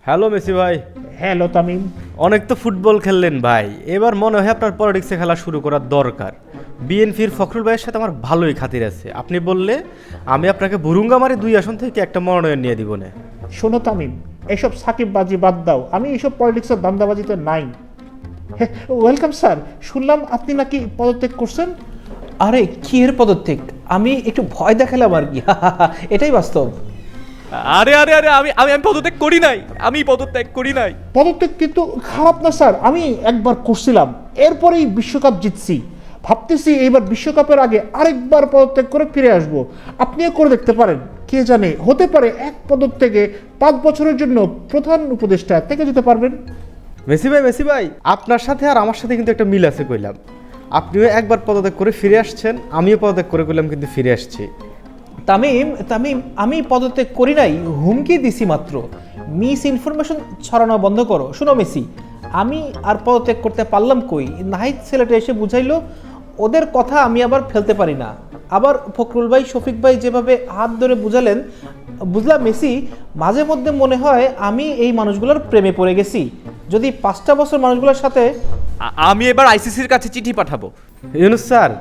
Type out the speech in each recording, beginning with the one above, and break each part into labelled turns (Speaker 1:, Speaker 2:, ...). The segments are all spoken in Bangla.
Speaker 1: হ্যালো মেসি ভাই।
Speaker 2: হ্যালো তামিম।
Speaker 1: অনেক তো ফুটবল খেললেন ভাই, এবার মনে হয় আপনার পলিটিক্সে খেলা শুরু করার দরকার। বিএনপির ফখরুল ভাইয়ের সাথে আমার ভালোই খাতির আছে, আপনি বললে আমি আপনাকে বুরুঙ্গামারি 2 আসন থেকে একটা মনোনয়ন নিয়ে দিব না।
Speaker 2: শোনো তামিম, এসব সাকিববাজি বাদ দাও, আমি এইসব পলিটিক্সের দান্দাবাজিতে নাই। ওয়েলকাম স্যার, শুনলাম আপনি নাকি পদত্যাগ করছেন।
Speaker 3: আরে কি এর পদত্যাগ? আমি একটু ভয় দেখালাম আর কি। এটাই বাস্তব।
Speaker 4: আরে আরে আরে আমি আমি আমি পদত্যাগ করি নাই, আমি পদত্যাগ করি নাই।
Speaker 2: পদত্যাগ কিন্তু খারাপ না স্যার, আমি একবার করছিলাম, এরপরেই বিশ্বকাপ জিতছি। ভাবতেছি এইবার বিশ্বকাপের আগে আরেকবার পদত্যাগ করে ফিরে আসব। আপনিও করে দেখতে পারেন, কে জানে হতে পারে এক পদত্যাগে 5 বছরের জন্য প্রধান উপদেষ্টা থেকে যেতে পারবেন।
Speaker 1: মেসি ভাই আপনার সাথে আর আমার সাথে কিন্তু একটা মিল আছে কইলাম। আপনিও একবার পদত্যাগ করে ফিরে আসছেন, আমিও পদত্যাগ করে কইলাম কিন্তু ফিরে আসছি।
Speaker 3: তামিম তামিম আমি পদত্যাগ করি নাই, হুমকি দিছি মাত্র। মিস ইনফরমেশন ছড়ানো বন্ধ করো। শোনো মেসি, আমি আর পদত্যাগ করতে পারলাম কই? নাহিদ ছেলেটা এসে বুঝাইলো, ওদের কথা আমি আবার ফেলতে পারি না। আবার ফখরুল ভাই, শফিক ভাই যেভাবে হাত ধরে বুঝালেন, বুঝলাম মেসি, মাঝে মধ্যে মনে হয় আমি এই মানুষগুলোর প্রেমে পড়ে গেছি। যদি 5টা বছর মানুষগুলোর সাথে
Speaker 4: আমি এবার আইসিসির কাছে চিঠি পাঠাবো।
Speaker 1: ইউনুস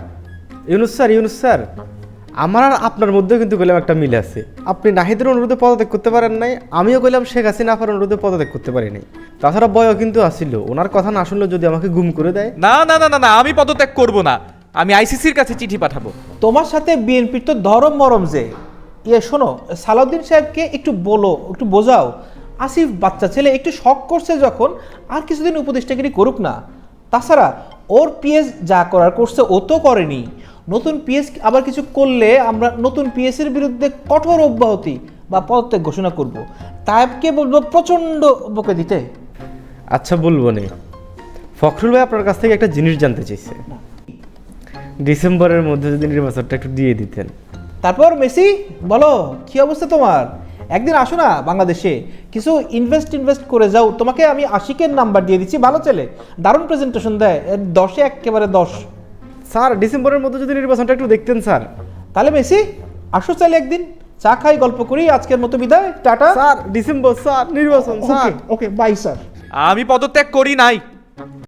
Speaker 1: স্যার, আমার আর আপনার মধ্যেও কিন্তু কইলাম একটা মিল আছে। আপনি নাহিদের অনুরোধে পদত্যাগ করতে পারেন নাই, আমিও কইলাম শেখ হাসিনা আপার অনুরোধে পদত্যাগ করতে পারি নাই। তাছাড়া বয়ও কিন্তু আসিল, ওনার কথা না শুনলে যদি আমাকে গুম করে দেয়।
Speaker 4: না না না না না, আমি পদত্যাগ করব না, আমি আইসিসির কাছে চিঠি পাঠাবো।
Speaker 3: তোমার সাথে বিএনপির তো ধরম মরম যে। শোনো, সালাউদ্দিন সাহেবকে একটু বলো, একটু বোঝাও। আসিফ বাচ্চা ছেলে, একটু শখ করছে যখন, আর কিছুদিন উপদেষ্টাগিরি করুক না। তাছাড়া ওর পিএস যা করার করছে ও তো করেনি। নতুন পিএস আবার কিছু করলে আমরা নতুন পিএসের বিরুদ্ধে কঠোর অব্যাহতি বা পদত্যাগ ঘোষণা করব। তাইবকে বলবো প্রচণ্ড বকে দিতে।
Speaker 1: আচ্ছা বলবো নে। ফখরুল ভাই আপনার কাছ থেকে একটা জিনিস জানতে চাইছে, ডিসেম্বরের মধ্যে যদি নির্বাচনটা একটু দিয়ে দিতেন।
Speaker 3: তারপর মেসি বলো, কি অবস্থা তোমার? একদিন আসো না বাংলাদেশে, কিছু ইনভেস্ট করে যাও। তোমাকে আমি আশিকের নাম্বার দিয়ে দিচ্ছি, ভালো ছেলে, দারুণ প্রেজেন্টেশন দেয়, 10-এ একেবারে 10।
Speaker 1: স্যার ডিসেম্বরের মধ্যে যদি নির্বাচনটা একটু দেখতেন স্যার।
Speaker 3: তাহলে মেসি আসো, চাইলে একদিন চা খাই, গল্প করি। আজকের মতো বিদায়, টাটা।
Speaker 1: স্যার ডিসেম্বর স্যার, নির্বাচন স্যার।
Speaker 2: Okay bye sir.
Speaker 4: আমি পদত্যাগ করি নাই।